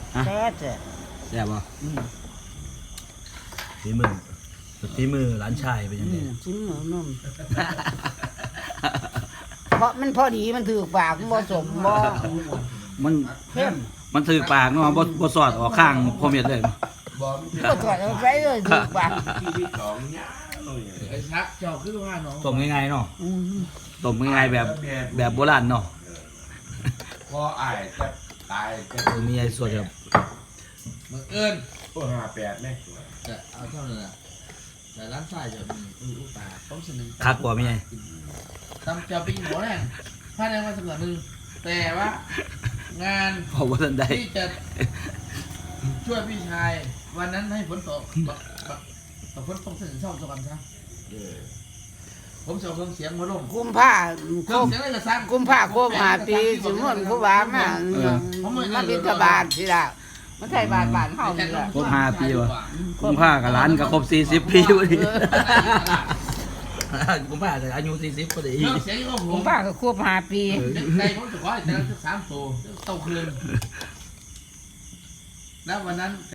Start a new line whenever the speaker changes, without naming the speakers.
แซ่บ
แซ่บบ่
ฝีมือหลานชายเป็นยังไง
จิ้มเหมือนนมเพราะมันพอดีมันถือปากมันบ่สมบ่
มัน
เข้ม
มันถือปากเนาะบ่สอดออกข้างพ่อเม็ดเลย
ก็ถอดเอาไปเลยถือปาก
ไอ้ชักเจ้าคือว่าน้อง
ต้มง่ายๆเนาะ
อืม
ต้มง่ายๆแบบโบราณเนาะ
พออายจะตายจะ
มีไอ้ส่วนแบบ
บังเอิญ
ตัว58ไหม
แต่เอาเท่านั้นแหละแต่ร้านชายจะมีลูกตาต้องเสนอ
คักกว่ามีไง
ทำจะปีหัวแรงภายในวันสัปดาห์หนึ่งแต่ว่างาน
เพราะว่าท่านได้
ที่จะช่วยพี่ชายวันนั้นให้ฝนตกฝนตกถึงช่องสวรรค์ซะผมจะเอาเครื่องเสียงมาลง
กุมผ้า
เครื่องเสียงอะไรจะสร้าง
กุมผ้าโคบหาปีสมมติครูบามามาบิณฑบาตสิล่ะมันใส่บาทบาทเฮานี่ล่ะ
ครบ5 ปีว่ะกุมภากับร้านก็ครบ40 ปีพอดีกุมภาจะอายุ40พอดี
เครื่องเสียงก็ผ
กุ
ม
มผ้าก็ควบหาปี
ใจผมจะขอให้แต่ละ3 ตัวเต่าคืนแล้ววันนั้น